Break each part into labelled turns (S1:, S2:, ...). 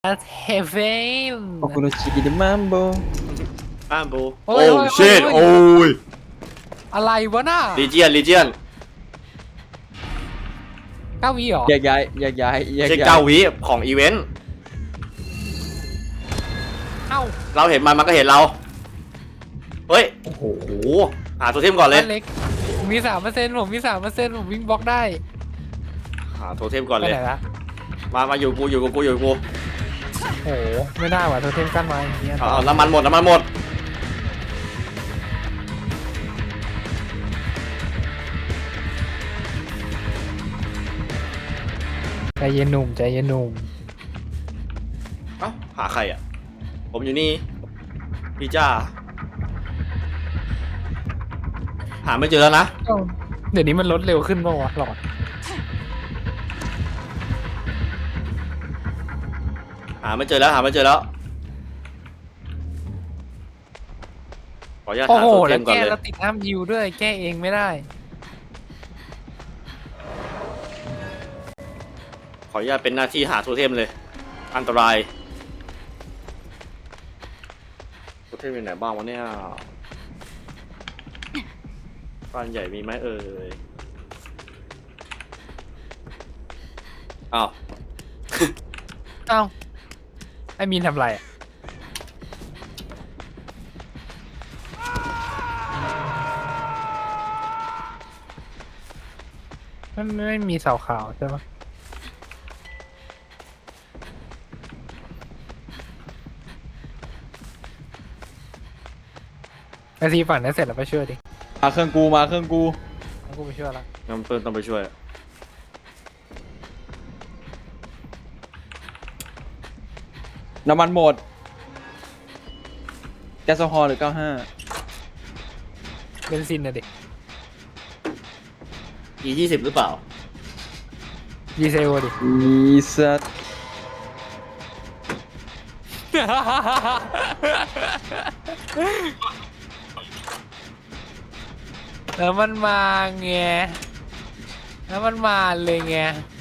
S1: เฮเวน
S2: โอคุโรชิดิมัมโบ
S3: โบ
S1: โอ้
S3: โอ้
S1: ย
S3: เชิดโอ้ย
S1: อะไรวะน่ะ
S3: ลีเจียน
S1: 9 วิเหรอ
S2: แยกย้ายแยกย้ายแยก
S3: เช็ค
S2: ย้าย
S3: เก้าวิของอีเวนต์
S1: เอ้า
S3: เราเห็นมันก็เห็นเราเฮ้ยโอ้โหหาตัวเทมก่อนเลย
S1: บ้านเล็กผมมี 3%ผมมี 3%ผมวิ่งบล็อกได้
S3: หาตัวเทมก่อน
S1: ไป
S3: เลย
S1: ไหนละ
S3: มาอยู่กูอยู่กู
S1: โอ้โหไม่ได้ว่ะโทเทมกั้นไว้อย่างเงี้ย
S3: เอาน้ำมันหมด
S1: ใจเย็นหนุ่มใจเย็นหนุ่ม
S3: เอ้าหาใครอ่ะผมอยู่นี่พี่จ้าหาไม่เจอแล้วนะ
S1: เดี๋ยวนี้มันลดเร็วขึ้นป่าวะหลอด
S3: หาไม่เจอแล้วขออนุญาต
S1: โอ้
S3: หา
S1: โห
S3: ตัวเท
S1: แล้ว
S3: มก่อน
S1: แก้
S3: เลย
S1: แล้วติดห้ามยิวด้วยแก้เองไม่ได้
S3: ขออนุญาตเป็นหน้าที่หาตัวเทมเลยอันตรายตัวเทมอยู่ไหนบ้างวะเนี่ยบ้านใหญ่มีไหมเอ่ยอ้าว
S1: เอ้าไอ้มีนทำไรอะมันไม่มีเสาขาวใช่ปะไอซีฝั่งนั้นเสร็จแล้วไปช่วยดิ
S2: มาเครื่องกูมาเครื่องกู
S1: แล้วกูไปช่วยละ
S3: งั้นเพิ่นต้องไปช่วย
S2: น้ำมันหมดแก๊สโซฮอล์หรือ95
S1: เบนซินนะดิ
S3: E20หรือเปล่า
S1: ดีเซลดิ
S2: มีสัตว์
S1: แล้วมันมาไงแล้วมันมาเลยไง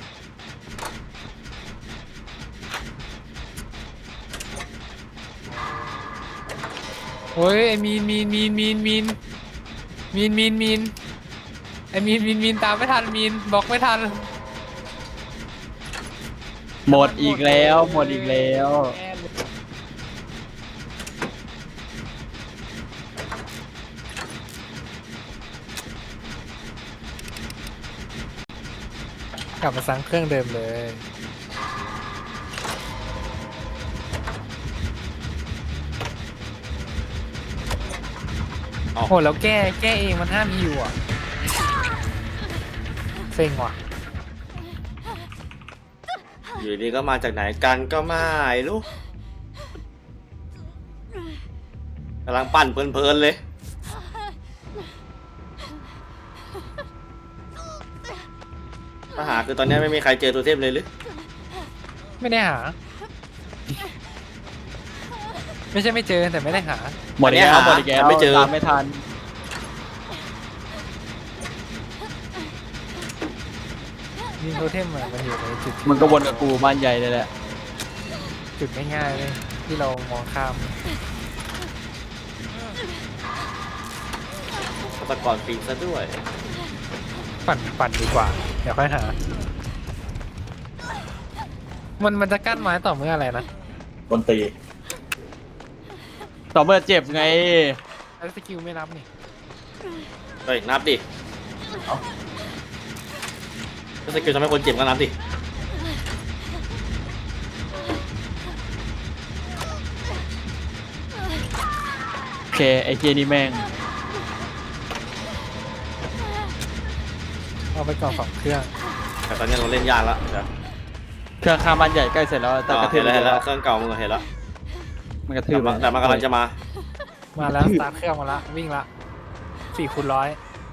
S1: โอ้ยไอมีนไอมีนตามไม่ทันมีนบล็อกไม่ทัน
S2: หมดอีกแล้วหมดอีกแล้ว
S1: กลับมาสั่งเครื่องเดิมเลย
S3: อ้าว
S1: โอ้แล้วแก้เองมันห้ามอยู่อ่ะเซ็งว่ะ
S3: อยู่ดีก็มาจากไหนกันก็ไม่รู้กำลังปั่นเพลินๆเลยปัญหาคือตอนนี้ไม่มีใครเจอตัวเทพเลยหรือ
S1: ไม่ได้หา ไม่ใช่ไม่เจอแต่ไม่ได้หา
S2: หมดอีกแล้วหมดอีกแล้ว
S3: ไม่เจอ
S2: ตามไม่ทัน
S1: ยิงโทเทมอะมันอยู่ในจุดที่
S2: มันก็วนกับกูบ้านใหญ่เลยแหละ
S1: จุดง่ายๆเลยที่เรามองข้าม
S3: ฆาตกรปีนซะด้วย
S1: ปั่นดีกว่า เดี๋ยวค่อยหา มันจะกั้นไม้ต่อเมื่ออะไรนะ
S3: บนตี
S2: ต่อเมื่อเจ็บไง
S1: แล้วสกิลไม่รับนี่
S3: เฮ้ยนับดิถ้าสกิลทำให้คนเจ็บก็นับดิ
S2: โอเคไอ้เจนี่แม่ง
S1: เอาไปก่อน2 เครื่อง
S3: แต่ตอนนี้เราเล่นยากแล้วเดี๋ยว
S2: เครื่องข้ามบ้านใหญ่ใกล้เสร็จแล้วแต่กระทื
S3: เห็
S2: บ
S3: นแล้วเห็นแล้วเครื่องเก่ามึงเห็นแล้ว
S2: มันกระทืบ
S3: แต่มันกำลังจะมา
S1: มาแล้วสตาร์ทเครื่องมาละวิ่งละ4x100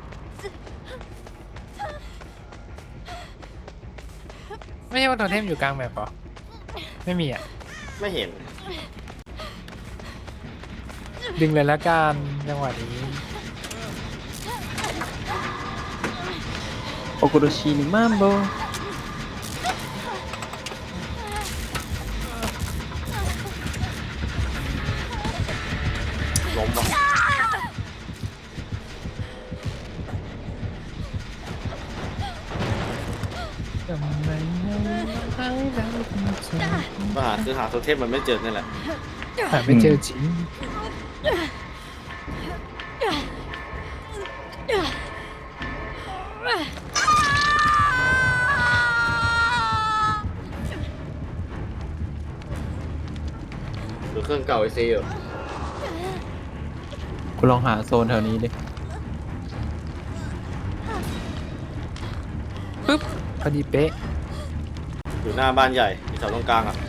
S1: ไม่ใช่ว่าโทเทมอยู่กลางแมปเหรอไม่มีอ่ะ
S3: ไม่เห็น
S1: ดึงเลยละกันจังหวะนี้
S2: โอคุโรชิดิมัมโบ
S3: มว่ะปัญหาคือหาโทเทมมันไม่เจอนี่แหละ
S1: หาไม่เจอจริง
S3: หรือเครื่องเก่าไอซีอยู่
S2: กูลองหาโซนแถวนี้ดิ
S1: ปึ๊บพอดีเป๊ะ
S3: อยู่หน้าบ้านใหญ่ที่แถวตรงกลางอ่ะ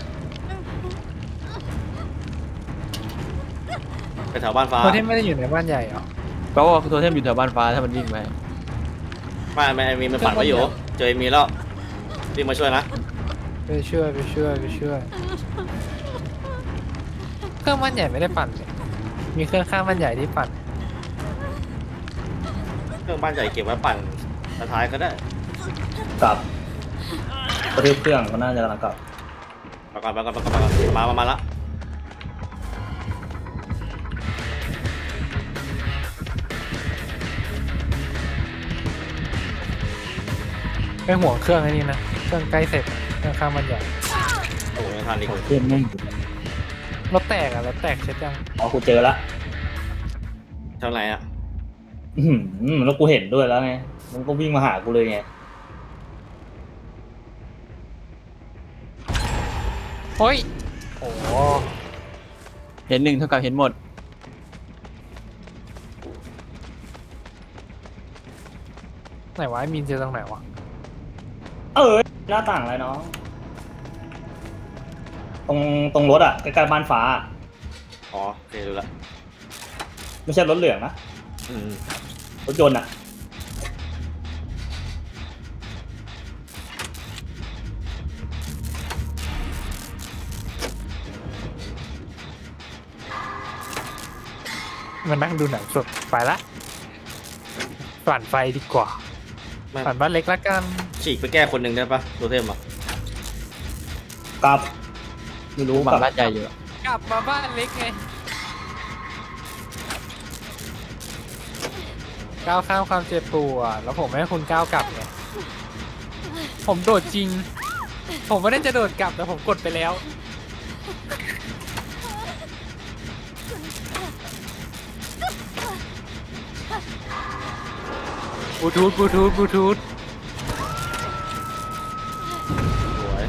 S3: ไปแถวบ้านฟ้า
S1: โทเทมไม่ได้อยู่ในบ้านใหญ่เหรอ
S2: แปลว่าโทเทมอยู่แถวบ้านฟ้าถ้ามันวิ่งไป
S3: ไม่มีมันฝันไว้อยู่เจอมีแล้วรีบมาช่วยนะ
S1: ไปช่วยเครื่องบ้านใหญ่ไม่ได้ปั่นเลยมีเครื่องข้างบ้านใหญ่ที่ปั่น
S3: เครื่องบ้านใหญ่เก็บไว้ปั่นท้ายก็ได้
S4: กลับกระทืบเครื่องก็น่าจะกำลังกลับ
S3: มาละ
S1: ไปห่วงเครื่องไอ้นี่นะเครื่องใกล้เสร็จเครื่องข้างบ้านใหญ่
S3: โอ้ยทันอีก
S4: เทียนแม่งอยู่
S1: รถแตกเช็ดยัง
S4: อ๋อกูเจอละ
S3: เท่าไหร่อ่ะ
S4: แล้วกูเห็นด้วยแล้วไงมันก็วิ่งมาหากูเลยไง
S1: โอ้ยโอ้โห
S2: เห็นหนึ่งเท่ากับเห็นหมด
S1: ไหนวะไอ้มีนเจอตรงไหนวะ
S4: หน้าต่างอะไรน้องตรงรถอ่ะใกล้ๆบ้านฟ้า
S3: อ๋อโอเคดูละ
S4: ไม่ใช่รถเหลืองนะรถยนต์อ่ะ
S1: มานั่งดูหนังสดไปละปั่นไฟดีกว่า
S3: ไม่
S1: ปั่นบ้านเล็กละกัน
S3: ฉีกไปแก้คนหนึ่งได้ปะโทเทมอ่ะ
S4: กลับไม่รู้
S2: มาก
S4: ลับ
S2: บ้านใหญ่อยู่
S1: กลับมาบ้านเล็กไงก้าวข้ามความเจ็บปวดแล้วผมไม่ให้คุณก้าวกลับไงผมโดดจริง ผมไม่ได้จะโดดกลับแต่ผมกดไปแล้วบลูทูธ
S3: สวย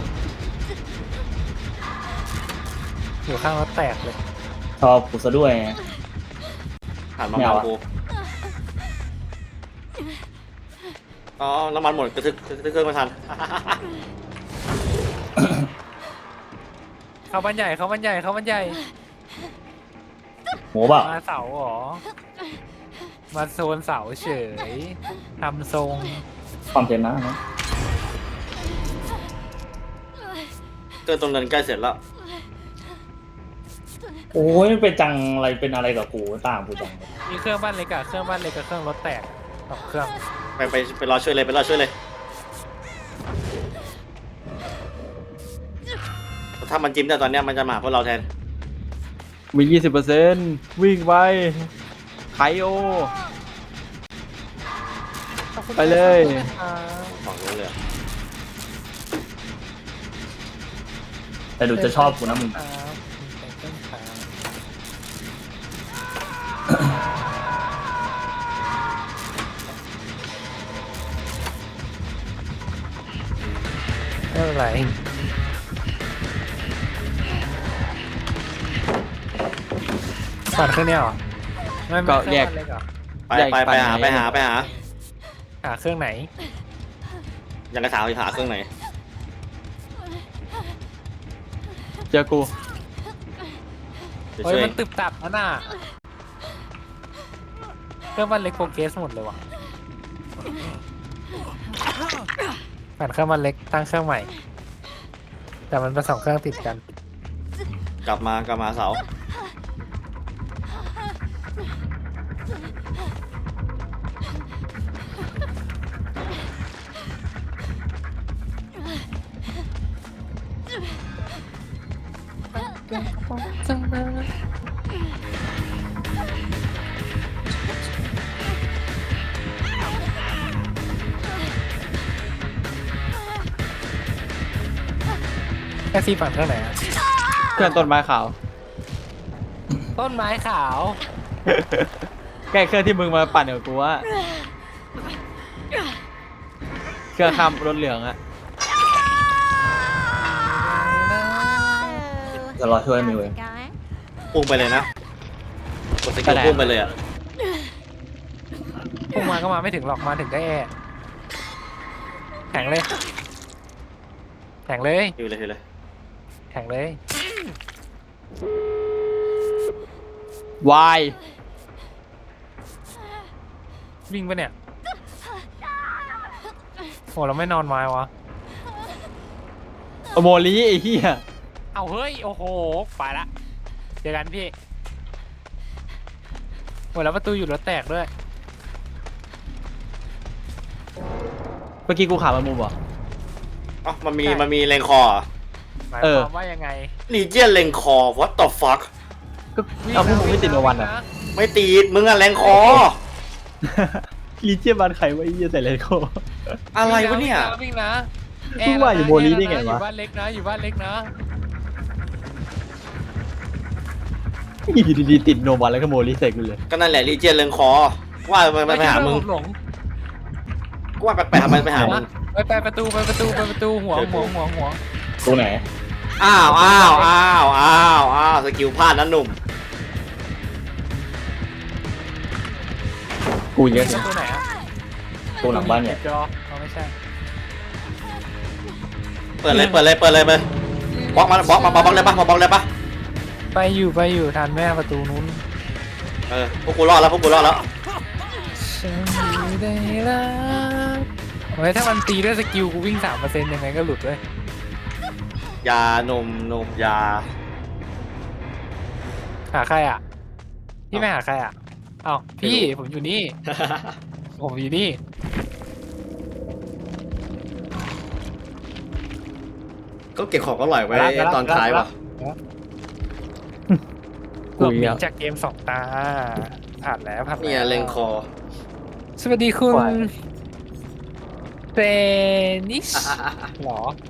S1: อยู่ข้างรถแตกเลย
S4: ชอบกูซะด้วยไง
S3: หันมา
S4: ไม่
S3: เมา
S4: เอาอะ
S3: กูอ๋อน้ำมันหมดกระทึกเครื่องไม่ทัน
S1: เข้าบ้านใหญ่
S4: โหเปล่า
S1: มาเสาเหรอมาโซนเสาเฉยทำทรง
S4: ความเทียนนะ
S3: เครื่องตรงนั้นใกล้เสร็จแล้ว
S4: โอ้ยมันเป็นจังอะไรเป็นอะไรกับกูต่างกูจัง
S1: มีเครื่องบ้านเล็กกับเครื่องรถแตกสองเครื่อง
S3: ไปรอช่วยเลยถ้ามันจิ้มได้ตอนเนี้ยมันจะมาหาพวกเราแทน
S2: มี 20%วิ่งไปไคโอ ไปเลย
S3: ฝั่งนู้นเลย
S4: แต่ดูจะชอบกูนะมึง
S1: ไม่เป็นไรปั่นเครื่องเนี้ยเหรอไม่
S2: ก็
S1: เครื่อง
S2: แยก
S1: บ้านเล็กเหรอ
S3: ไปหา
S1: หาเครื่องไหน
S3: ยังกระถางหาเครื่องไหน
S2: เจอกู
S3: เดี๋ยว
S1: เฮ้ย
S3: ช่วย
S1: มันตึบตับนะน่ะเครื่องบ้านเล็กโปรเกรสหมดเลยว่ะปั่นเครื่องบ้านเล็กตั้งเครื่องใหม่ แต่มันเป็นสองเครื่องติดกัน
S3: กลับมาเสา
S1: จังเลยแค่ซีฝั่งเท่าไหร่อะ
S2: เครื่องต้นไม้ขาว
S1: ต้นไม้ขาว
S2: แก้เครื่องที่มึงมาปั่นกับกูว่าเครื่องข้ามรถเหลืองอะ
S4: จะรอช่วยมิวเอง
S3: พุ่งไปเลยนะกดสกิลพุ่งไปเลยอ่ะ
S1: พุ่งมาก็มาไม่ถึงหรอกมาถึงได้แอแข่งเลยแข่งเลย
S3: ฮิวเลยฮิวเลย
S1: แข่งเลย
S2: วาย
S1: วิ่งปะเนี่ยโหเราไม่นอนไม้วะ
S2: โมลีไอ้เหี้ย
S1: เอาเฮ้ยโอ้โหไปละเจอกันพี่โหแล้วประตูอยู่รถแตกด้วย
S2: เมื่อกี้กูขามันมุมเหรอ
S3: อ๋อมันมีเลงคอ
S1: หมาย
S2: เอ
S1: ค
S2: อ
S1: วามว่ายังไง
S3: ลีเจียนเลงคอ what the fuck
S2: ก็เอาพวกมึงไม่ติดมาวันอะ
S3: ไม่ตีดมึงอะเลงคอ
S2: ลีเจียบันไขว่าไอ้เหี้ยใส่เลโก้
S3: อะไรวะเนี่ย
S1: วิ่งนะ
S2: เพิ่งว่าอยู่โมลีได้ไงวะ
S1: อยู่บ้านเล็กนะอยู่บ้านเล็กนะ
S2: อยู่ดีๆติดโนวันแล้วก็โมลีใส่กูเลย
S3: ก็นั่นแหละลีเจียนเลงคอ ว่ามันไปหามึง
S1: ผมหลง
S3: กูว่าแปลกๆมันไปหามึง
S1: ไปประตูหัว
S4: ตัวไหน
S3: อ้าวสกิลพลาดนะหนุ่ม
S2: กูเยอะ
S1: ประตูไหนอะ
S4: ตัวหลังบ้านเนี่ย
S1: จอเขาไม่ใช่
S3: เปิดเลยบล็อกมาบล็อกเลยปะบล็อกเลยปะ
S1: ไปอยู่ทันแม่ประตูนู้น
S3: พวกกูรอดแล้ว
S1: ฉันอยู่ได้รักโอ้ยถ้ามันตีด้วยสกิลกูวิ่ง 3% ยังไงก็หลุดเลย
S3: ยานมยา
S1: หาใครอ่ะพี่ไม่หาใครอ่ะเอ้าพี่ผมอยู่นี่ ผมอยู่นี่
S3: ก็เก็บของอร่อยไว้ตอนท้ายว่ะ
S1: หลบหนีจากเกม2 ตาผ่านแล้วผ่านแล้ว
S3: เนี่ยเลงคอ
S1: สวัสดีคุณเซนิชหรอ